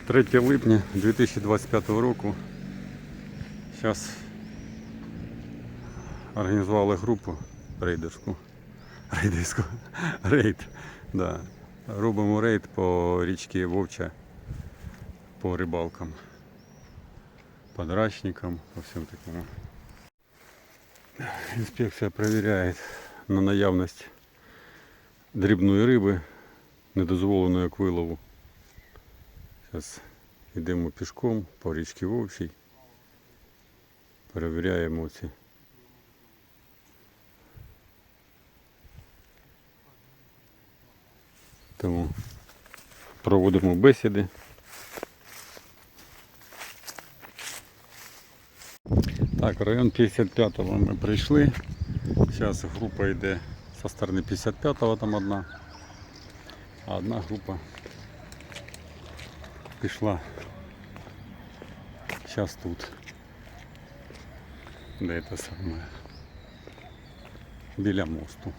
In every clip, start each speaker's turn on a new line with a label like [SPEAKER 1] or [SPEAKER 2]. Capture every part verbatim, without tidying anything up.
[SPEAKER 1] третє липня дві тисячі двадцять п'ятого року. Зараз організували групу рейдерську. Рейдерську. Рейд. Да. Робимо рейд по річці Вовча, по рибалкам, подрачникам, по всьому такому. Інспекція перевіряє на наявність дрібної риби, недозволеної к вилову. Зараз йдемо пішком по річці Вовчій, перевіряємо ці тому проводимо бесіди. Так, район п'ятдесят п'ятого ми прийшли. Зараз група йде зі сторони п'ятдесят п'ятого, там одна, а одна група пішла зараз тут, де це саме, біля мосту.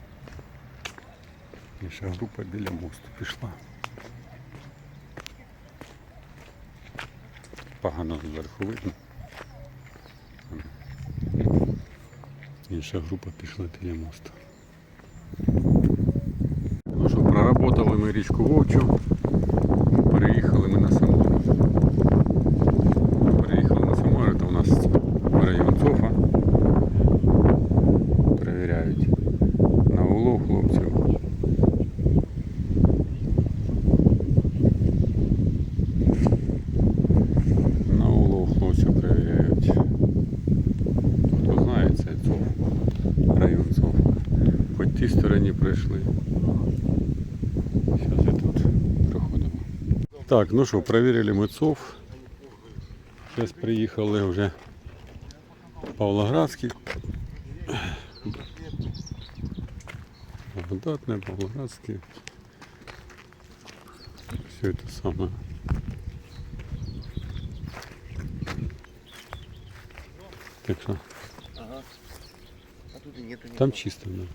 [SPEAKER 1] Інша група біля мосту пішла. Погано зверху видно. Інша група пішла біля мосту. Ну що, проработали ми річку Вовчу. Переїхали ми на Самару. Переїхали на Самару, це у нас район Цофа. Перевіряють на улов хлопців. На улов хлопців перевіряють. Хто знає, це Цофа. Район Цофа. По тій стороні пройшли. Зараз я тут проходимо. Так, ну що, перевірили ми Цоф. Зараз приїхали вже в Павлоградський. Благодатне, Павлоградський. Все это самое. Так что.
[SPEAKER 2] Ага. А тут и нету.
[SPEAKER 1] Там чисто, да.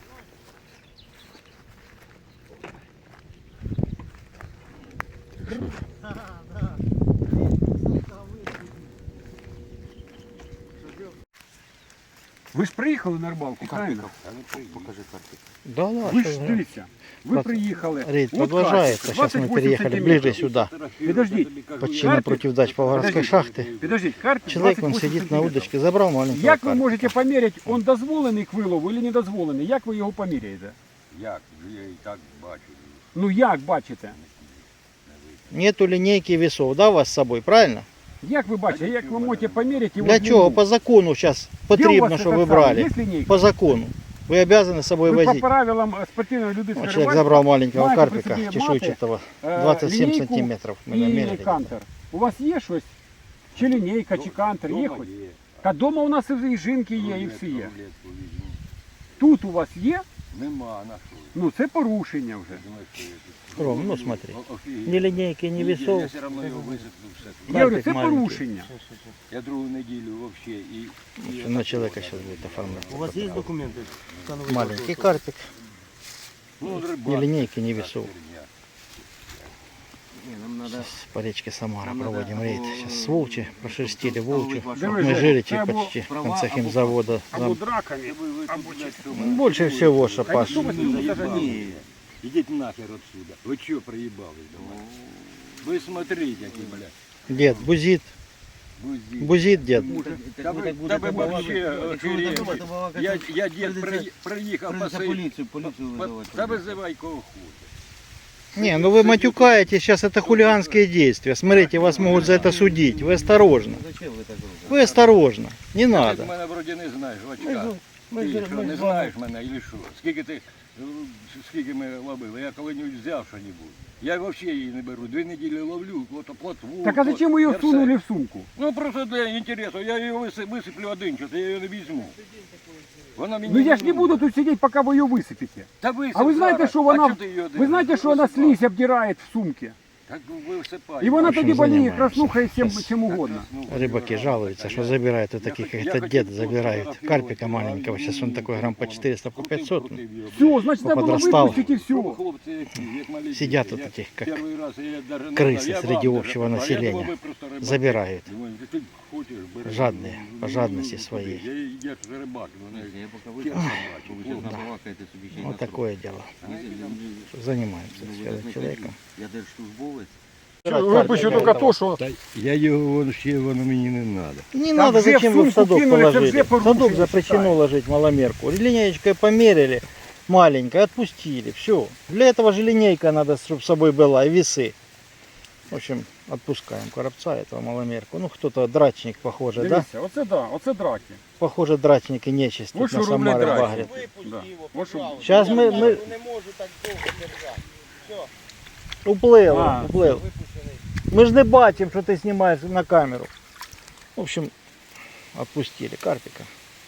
[SPEAKER 1] Так что.
[SPEAKER 3] Ви ж приїхали на рибалку, правильно?
[SPEAKER 2] А ну покажи карту.
[SPEAKER 4] Да ладно.
[SPEAKER 3] Ви ж дивіться, ви
[SPEAKER 4] Под-
[SPEAKER 3] приїхали.
[SPEAKER 4] Рейд
[SPEAKER 3] от
[SPEAKER 4] продолжается.
[SPEAKER 3] карточка,
[SPEAKER 4] Сейчас мы
[SPEAKER 3] двадцять восемь
[SPEAKER 4] переехали
[SPEAKER 3] сантиметров.
[SPEAKER 4] ближе сюда.
[SPEAKER 3] Підождіть,
[SPEAKER 4] Почти
[SPEAKER 3] Карпик?
[SPEAKER 4] напротив дач Павлоградской
[SPEAKER 3] Подождите.
[SPEAKER 4] шахты.
[SPEAKER 3] підождіть, карта
[SPEAKER 4] Человек, он
[SPEAKER 3] двадцять восемь
[SPEAKER 4] сидит на
[SPEAKER 3] сантиметров.
[SPEAKER 4] удочке, забрал маленького
[SPEAKER 3] Як ви
[SPEAKER 4] карпика.
[SPEAKER 3] можете поміряти, він дозволений к вилову чи не дозволений? Як ви його поміряєте?
[SPEAKER 2] Як? Я і так бачу.
[SPEAKER 3] Ну як бачите?
[SPEAKER 4] Нету линейки и весов, да, у вас с собой, правильно?
[SPEAKER 3] Як ви бачите, як ви можете поміряти його
[SPEAKER 4] Для
[SPEAKER 3] длину?
[SPEAKER 4] чего? По закону сейчас
[SPEAKER 3] Де у
[SPEAKER 4] потребно,
[SPEAKER 3] вас
[SPEAKER 4] чтобы
[SPEAKER 3] этот
[SPEAKER 4] вы
[SPEAKER 3] самый?
[SPEAKER 4] брали.
[SPEAKER 3] Є лінійка?
[SPEAKER 4] По закону. Вы обязаны с собой
[SPEAKER 3] Ви по
[SPEAKER 4] возить.
[SPEAKER 3] правилам е, спортивної
[SPEAKER 4] Вот
[SPEAKER 3] людської
[SPEAKER 4] человек забрал маленького
[SPEAKER 3] маєте при
[SPEAKER 4] карпика,
[SPEAKER 3] собі
[SPEAKER 4] чешуйчатого,
[SPEAKER 3] е,
[SPEAKER 4] двадцать семь
[SPEAKER 3] лінійку
[SPEAKER 4] сантиметров. Мы
[SPEAKER 3] і
[SPEAKER 4] намерили.
[SPEAKER 3] кантер. У вас є щось? Чи лінійка, чи кантер, є хоч? Та дома у нас і жінки є, і всі є. Тут у вас є?
[SPEAKER 2] Нема, на що?
[SPEAKER 3] Ну це порушення вже.
[SPEAKER 2] Думаєш, що я тут?
[SPEAKER 4] Ром, ну смотри.
[SPEAKER 2] О- офігеть.
[SPEAKER 4] Ни линейки, ни
[SPEAKER 2] Я
[SPEAKER 4] весов.
[SPEAKER 2] все одно його висиплю все.
[SPEAKER 3] Я говорю,
[SPEAKER 4] Карпик
[SPEAKER 3] це
[SPEAKER 4] маленький.
[SPEAKER 3] порушення.
[SPEAKER 2] Я другу неділю взагалі і... і
[SPEAKER 4] На человека сейчас будет оформлять.
[SPEAKER 5] У вас есть документы?
[SPEAKER 4] Маленький карпик.
[SPEAKER 2] Ну,
[SPEAKER 4] Ни линейки, ни весов.
[SPEAKER 5] Не, нам надо...
[SPEAKER 4] Сейчас по речке Самара
[SPEAKER 5] Нам надо
[SPEAKER 4] проводим рейд.
[SPEAKER 5] або-
[SPEAKER 4] Сейчас с Волчи прошерстили Волчу.
[SPEAKER 3] Давай,
[SPEAKER 4] Мы
[SPEAKER 3] Жень,
[SPEAKER 4] жиричи
[SPEAKER 3] це або
[SPEAKER 4] почти в
[SPEAKER 5] права,
[SPEAKER 4] конце
[SPEAKER 5] або-
[SPEAKER 4] химзавода.
[SPEAKER 3] Або
[SPEAKER 4] Там
[SPEAKER 3] драками.
[SPEAKER 2] Або
[SPEAKER 4] больше всего, что Паш.
[SPEAKER 3] хто вас не буде
[SPEAKER 2] Ні, ідіть нахер отсюда. Ви що приїбались до мене? Ви смотрите, які, блядь.
[SPEAKER 4] Дед бузит.
[SPEAKER 2] Бузі.
[SPEAKER 4] Бузит дед.
[SPEAKER 2] Та ви, та ви вообще охерели. Я, я дід при- приїхав по
[SPEAKER 5] Придется
[SPEAKER 2] селі.
[SPEAKER 5] полицию, полицию
[SPEAKER 2] По-
[SPEAKER 5] вызывать.
[SPEAKER 2] Та визивай кого хочеш.
[SPEAKER 4] Не, ну вы матюкаете, сейчас это хулиганские действия. Смотрите, вас могут за это судить. Вы осторожно.
[SPEAKER 5] Зачем вы так говорите?
[SPEAKER 4] Вы осторожно. Не
[SPEAKER 2] Ти
[SPEAKER 4] надо.
[SPEAKER 2] мене вроді не знаєш, очка.
[SPEAKER 4] Ми
[SPEAKER 2] Ти
[SPEAKER 4] ж-
[SPEAKER 2] що,
[SPEAKER 4] ми
[SPEAKER 2] не
[SPEAKER 4] з вами-
[SPEAKER 2] знаєш мене, і що? Скільки ти, е, скільки ми ловили? Я коли-небудь взяв що-небудь. Я взагалі її не беру. Дві неділі ловлю, от плотву.
[SPEAKER 3] Так а зачем ви її
[SPEAKER 2] я
[SPEAKER 3] всунули
[SPEAKER 2] все.
[SPEAKER 3] в сумку?
[SPEAKER 2] Ну просто для інтересу. Я її висип- висиплю один час, я її не візьму. Вона мені
[SPEAKER 3] Ну я ж не
[SPEAKER 2] нужна.
[SPEAKER 3] буду тут сидеть, пока вы ее высыпите.
[SPEAKER 2] Та висип
[SPEAKER 3] А ви знаєте,
[SPEAKER 2] зараз.
[SPEAKER 3] що
[SPEAKER 2] А
[SPEAKER 3] вона,
[SPEAKER 2] чого ти її
[SPEAKER 3] ви
[SPEAKER 2] дивишся?
[SPEAKER 3] знаєте, що вона
[SPEAKER 2] Висипай.
[SPEAKER 3] слизь обдирает в сумке?
[SPEAKER 2] Так висипай.
[SPEAKER 3] І вона
[SPEAKER 4] общем,
[SPEAKER 3] тоді боліє
[SPEAKER 4] займаємося.
[SPEAKER 3] краснухою всім чим угодно.
[SPEAKER 4] Рыбаки жалуются, что забирают вот таких, как этот дед забирает. Карпика маленького, сейчас он такой грамм по четыреста, по пятьсот. ну,
[SPEAKER 3] Все, значить, треба було
[SPEAKER 4] Подростал.
[SPEAKER 3] випустити і все.
[SPEAKER 4] Сидят вот таких, как крысы среди общего населения. Забирают. Жадные, по жадности своей.
[SPEAKER 5] Я пока выйду, вы сейчас набалакаете собі ще й на
[SPEAKER 4] Вот такое дело. Занимаемся с каждым человеком.
[SPEAKER 5] Я держслужбовець.
[SPEAKER 3] Випущу тільки то, що
[SPEAKER 2] Я його вон ще, воно мені не треба.
[SPEAKER 4] Не
[SPEAKER 3] Там
[SPEAKER 4] надо,
[SPEAKER 3] вже
[SPEAKER 4] зачем
[SPEAKER 3] в
[SPEAKER 4] вы в
[SPEAKER 3] сумку
[SPEAKER 4] садок
[SPEAKER 3] кинули, це
[SPEAKER 4] положили?
[SPEAKER 3] вже
[SPEAKER 4] В садок
[SPEAKER 3] порушення
[SPEAKER 4] запрещено
[SPEAKER 3] считається.
[SPEAKER 4] ложить маломерку. Линеечкой померили, маленькой, отпустили. Все. Для этого же линейка надо, чтобы с собой была, и весы. В общем, отпускаем коробца этого маломерку. Ну, кто-то драчник, похоже, да?
[SPEAKER 3] дивіться, оце да, оце драки.
[SPEAKER 4] Похоже, драчник и нечисть
[SPEAKER 3] Вот
[SPEAKER 4] тут на
[SPEAKER 3] что рублей
[SPEAKER 4] Самаре
[SPEAKER 3] драки.
[SPEAKER 4] багрят.
[SPEAKER 3] Да. От що-
[SPEAKER 4] Сейчас мы, мы... Уплыл,
[SPEAKER 3] А,
[SPEAKER 4] уплыл. Мы же не бачим, что ты снимаешь на камеру. В общем, отпустили карпика.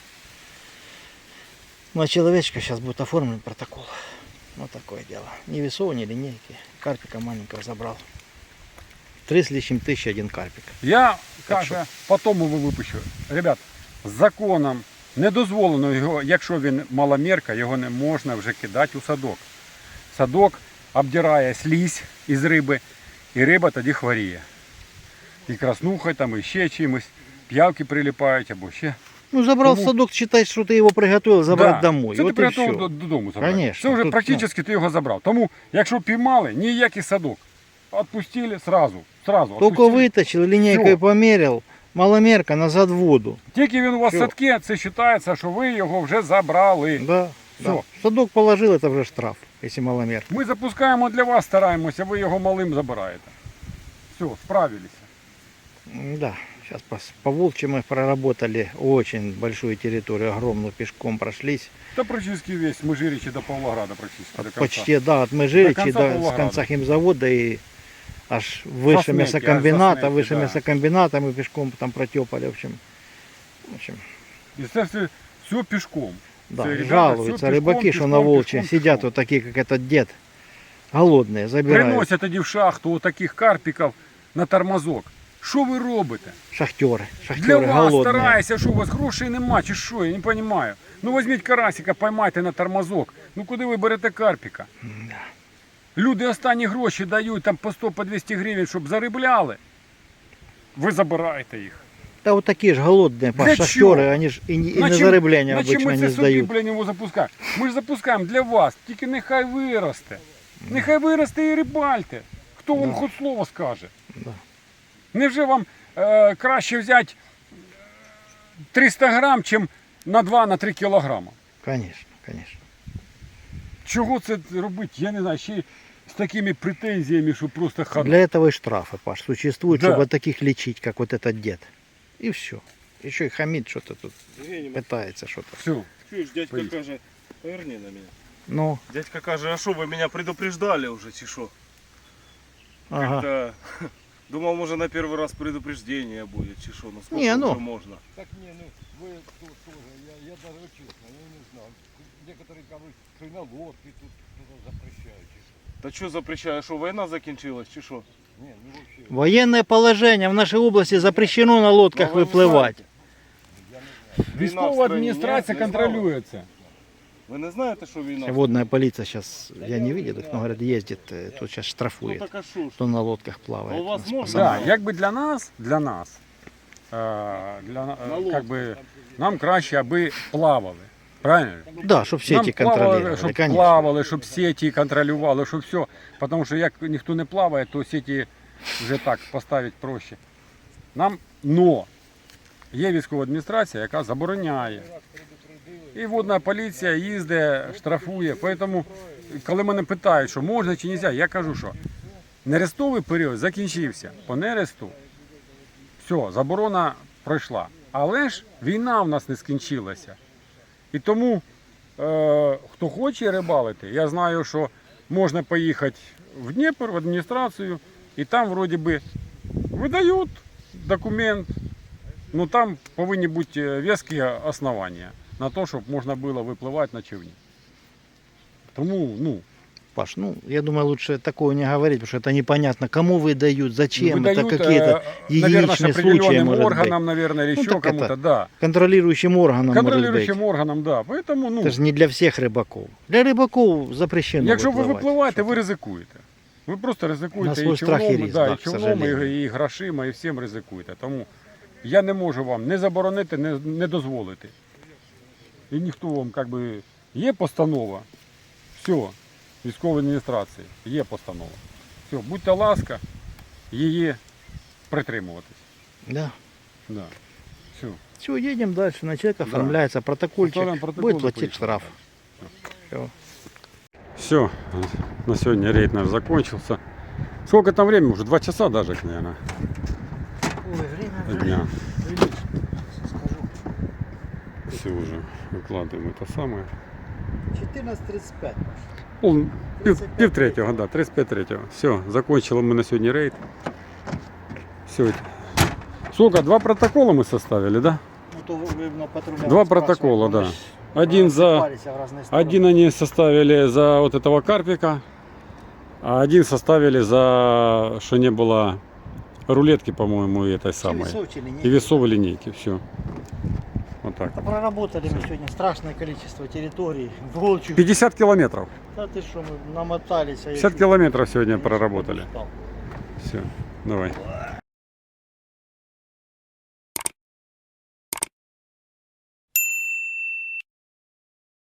[SPEAKER 4] На человечка сейчас будет оформлен протокол. Вот такое дело. Ни весов, ни линейки. Карпика маленького забрал. Три с лишним тысячи один карпик.
[SPEAKER 3] Я,
[SPEAKER 4] Так
[SPEAKER 3] каже, потім його випущу. Ребят, з законом не дозволено його, якщо він маломірка, його не можна вже кидати у садок. Садок обдирає слізь із риби, і риба тоді хворіє. І краснухою, там, і ще чимось, п'явки прилипають або ще.
[SPEAKER 4] Ну, забрал
[SPEAKER 3] Тому-
[SPEAKER 4] в садок, считай, что ты его приготовил забрать
[SPEAKER 3] Да.
[SPEAKER 4] домой.
[SPEAKER 3] Це
[SPEAKER 4] Вот
[SPEAKER 3] ти
[SPEAKER 4] и
[SPEAKER 3] приготував
[SPEAKER 4] все.
[SPEAKER 3] до- додому забрати.
[SPEAKER 4] Конечно,
[SPEAKER 3] Це вже
[SPEAKER 4] тут,
[SPEAKER 3] практично ти його забрав. Тому, якщо піймали, ніякий садок. Отпустили сразу. сразу
[SPEAKER 4] Только
[SPEAKER 3] отпустили.
[SPEAKER 4] вытащил, линейкой
[SPEAKER 3] Всё.
[SPEAKER 4] померил. Маломерка назад в воду.
[SPEAKER 3] Тільки він у вас в
[SPEAKER 4] Всё.
[SPEAKER 3] садке, це вважається, що ви його вже забрали.
[SPEAKER 4] Да.
[SPEAKER 3] Всё.
[SPEAKER 4] да. В садок положил, это уже штраф, если маломер.
[SPEAKER 3] Ми запускаємо для вас, стараємося, ви його малим забираєте. Все, справилися.
[SPEAKER 4] Да, сейчас по, по волчьи мы проработали очень большую территорию, огромную, пешком прошлись.
[SPEAKER 3] Та практично весь Межирічі до Павлограда практично. до конца.
[SPEAKER 4] Почти, да, от Межиричи
[SPEAKER 3] До
[SPEAKER 4] до,
[SPEAKER 3] конца
[SPEAKER 4] с
[SPEAKER 3] Павлограда.
[SPEAKER 4] конца химзавода и аж выше
[SPEAKER 3] Заснеки,
[SPEAKER 4] мясокомбината,
[SPEAKER 3] аж
[SPEAKER 4] выше
[SPEAKER 3] заснеки, да.
[SPEAKER 4] мясокомбината мы пешком там протепали, в общем. В общем,
[SPEAKER 3] І це все, все пішком.
[SPEAKER 4] да,
[SPEAKER 3] Це, ребята,
[SPEAKER 4] жалуются
[SPEAKER 3] всё пешком,
[SPEAKER 4] рыбаки, что
[SPEAKER 3] пешком,
[SPEAKER 4] на волчье
[SPEAKER 3] пешком,
[SPEAKER 4] сидят
[SPEAKER 3] пешком.
[SPEAKER 4] вот такие, как этот дед, голодные, забирают.
[SPEAKER 3] Приносять тоді в шахту отаких карпіків на тормозок. Що ви робите?
[SPEAKER 4] Шахтеры,
[SPEAKER 3] Для
[SPEAKER 4] шахтеры
[SPEAKER 3] вас
[SPEAKER 4] голодные.
[SPEAKER 3] стараюся, що у вас грошей нема, чи що, я не розумію. Ну візьміть карасика, поймайте на тормозок. Ну куди ви берете карпіка? Люди останні гроші дають там по сто, по двісті гривень, щоб заробляли. Ви забираєте їх.
[SPEAKER 4] Да вот такие же голодные, по
[SPEAKER 3] Для
[SPEAKER 4] шахтеры,
[SPEAKER 3] чего?
[SPEAKER 4] они же и, не- и
[SPEAKER 3] На
[SPEAKER 4] на
[SPEAKER 3] чим-
[SPEAKER 4] заробление
[SPEAKER 3] на чим
[SPEAKER 4] обычно
[SPEAKER 3] ми
[SPEAKER 4] не
[SPEAKER 3] це собі,
[SPEAKER 4] сдают.
[SPEAKER 3] блін, його запускаємо? Ми ж запускаємо для вас, тільки нехай виросте. Нехай виросте і рибальте. Хто вам хоч слово скаже?
[SPEAKER 4] Да.
[SPEAKER 3] Невже вам е, краще взяти триста грам, чим на два-три кілограма?
[SPEAKER 4] Конечно, конечно.
[SPEAKER 3] Чого це робити? Я не знаю, ще й з такими претензіями, що просто хана.
[SPEAKER 4] Для этого и штрафы, Паш, существуют,
[SPEAKER 3] Да.
[SPEAKER 4] чтобы таких лечить, как вот этот дед. И все. Еще и хамит что-то тут,
[SPEAKER 5] Євгеній,
[SPEAKER 4] пытается что-то.
[SPEAKER 3] Все.
[SPEAKER 5] чуєш, дядька
[SPEAKER 3] Поїдь.
[SPEAKER 5] каже, поверни на мене.
[SPEAKER 4] Ну,
[SPEAKER 5] Дядька каже, а що, ви мене предупреждали вже, чи що?
[SPEAKER 4] ага.
[SPEAKER 5] Та, думав, може на перший раз предупреждение буде, чи що, ну скільки
[SPEAKER 4] Ні, ну.
[SPEAKER 5] вже можна.
[SPEAKER 2] Так не, ну вы тут тоже, я, я даже честно, я не знал. Некоторые говорят, что и на лодке тут что-то запрещают. чи що.
[SPEAKER 5] Та що запрещає, що війна закінчилась, чи що?
[SPEAKER 2] Не, ну вообще.
[SPEAKER 4] Военное положение в нашей области запрещено на лодках
[SPEAKER 5] Ну, ви
[SPEAKER 4] выплывать.
[SPEAKER 5] знаєте. Війна в
[SPEAKER 3] Військова
[SPEAKER 5] страні
[SPEAKER 3] адміністрація
[SPEAKER 5] є, не знали?
[SPEAKER 3] контролює це.
[SPEAKER 5] Ви не знаєте, що війна? в
[SPEAKER 4] Водная полиция сейчас, я не видел их, но говорят, ездит, э, тут сейчас
[SPEAKER 5] Ну
[SPEAKER 4] штрафует,
[SPEAKER 5] так а що ж?
[SPEAKER 4] кто на лодках плавает.
[SPEAKER 5] Ну, у вас
[SPEAKER 4] с
[SPEAKER 5] можно?
[SPEAKER 4] пацанами.
[SPEAKER 3] Так, якби для нас, для нас, е, для,
[SPEAKER 5] На
[SPEAKER 3] е,
[SPEAKER 5] лодках.
[SPEAKER 3] как би, нам краще, аби плавали. Правильно?
[SPEAKER 4] Да, чтобы все
[SPEAKER 3] Нам
[SPEAKER 4] эти
[SPEAKER 3] плавали,
[SPEAKER 4] контролировали,
[SPEAKER 3] щоб
[SPEAKER 4] конечно.
[SPEAKER 3] плавали, щоб сеті контролювали, щоб все. Тому що як ніхто не плаває, то сеті вже так поставити проще. Нам, но є військова адміністрація, яка забороняє. І водна поліція їздить, штрафує. Тому, коли мене питають, що можна чи не можна, я кажу, що нерестовий період закінчився. По нересту все, заборона пройшла. Але ж війна в нас не скінчилася. І тому, е, хто хоче рибалити, я знаю, що можна поїхати в Дніпро, в адміністрацію, і там вроді би видають документ, ну там повинні бути вескі основання на те, щоб можна було випливати на човні. Тому, ну,
[SPEAKER 4] Паш, ну, я думаю, лучше такого не говорить, потому что это непонятно, кому выдают, зачем,
[SPEAKER 3] Выдают,
[SPEAKER 4] это какие-то
[SPEAKER 3] э, наверное, с
[SPEAKER 4] единичные случаи,
[SPEAKER 3] определенным
[SPEAKER 4] может
[SPEAKER 3] органам,
[SPEAKER 4] быть.
[SPEAKER 3] наверное, или
[SPEAKER 4] Ну,
[SPEAKER 3] еще
[SPEAKER 4] так это
[SPEAKER 3] кому-то, да.
[SPEAKER 4] Контролирующим органам,
[SPEAKER 3] Контролирующим
[SPEAKER 4] может быть.
[SPEAKER 3] органам, да. Поэтому, ну,
[SPEAKER 4] Это же не для всех рыбаков. Для рыбаков запрещено
[SPEAKER 3] якщо ви
[SPEAKER 4] випливати.
[SPEAKER 3] випливаєте, ви ризикуєте. Ви просто
[SPEAKER 4] На
[SPEAKER 3] ризикуєте
[SPEAKER 4] свій
[SPEAKER 3] і
[SPEAKER 4] страх і
[SPEAKER 3] човном,
[SPEAKER 4] ризик,
[SPEAKER 3] да,
[SPEAKER 4] да,
[SPEAKER 3] і
[SPEAKER 4] к
[SPEAKER 3] човном,
[SPEAKER 4] сожалению.
[SPEAKER 3] і, і грошима, і всім ризикуєте. Тому я не можу вам не заборонити, не, не дозволити. І ніхто вам, як би, є постанова, все, військової адміністрації, є постанова. Все, будьте ласка, її притримуватись.
[SPEAKER 4] Да.
[SPEAKER 3] Да. Все.
[SPEAKER 4] Все, едем дальше. На человека
[SPEAKER 3] Да.
[SPEAKER 4] оформляется протокольчик.
[SPEAKER 3] Оформляем протокол,
[SPEAKER 4] Будет платить
[SPEAKER 3] поехали.
[SPEAKER 4] штраф. Все.
[SPEAKER 1] Все, на сегодня рейд наш закончился. Сколько там времени? Уже два часа даже, наверное,
[SPEAKER 4] Ой, время
[SPEAKER 1] дня.
[SPEAKER 4] скажу.
[SPEAKER 1] Все уже выкладываем это самое.
[SPEAKER 4] четырнадцать тридцать пять.
[SPEAKER 1] Пол, пів, пів третього, да, тридцять п'ять третього. Все, закончили мы на сегодня рейд. Все. Сколько? Два протокола мы составили, да?
[SPEAKER 4] Ну, то вы на патруле
[SPEAKER 1] Два
[SPEAKER 4] спрашивали,
[SPEAKER 1] протокола,
[SPEAKER 4] мы
[SPEAKER 1] да.
[SPEAKER 4] ж
[SPEAKER 1] Один за,
[SPEAKER 4] рассыпались в разные стороны.
[SPEAKER 1] один они составили за вот этого карпика, а один составили за, что не было рулетки, по-моему, и этой самой.
[SPEAKER 4] Весов, чи линейки.
[SPEAKER 1] И весов и линейки, все. Вот так.
[SPEAKER 4] Да проработали мы сегодня страшное количество территорий. Волчью.
[SPEAKER 1] пятьдесят километров.
[SPEAKER 4] Да ты что, мы намотались. а я
[SPEAKER 1] пятьдесят
[SPEAKER 4] чуть-
[SPEAKER 1] километров сегодня
[SPEAKER 4] я чуть
[SPEAKER 1] проработали.
[SPEAKER 4] устал.
[SPEAKER 1] Все, давай.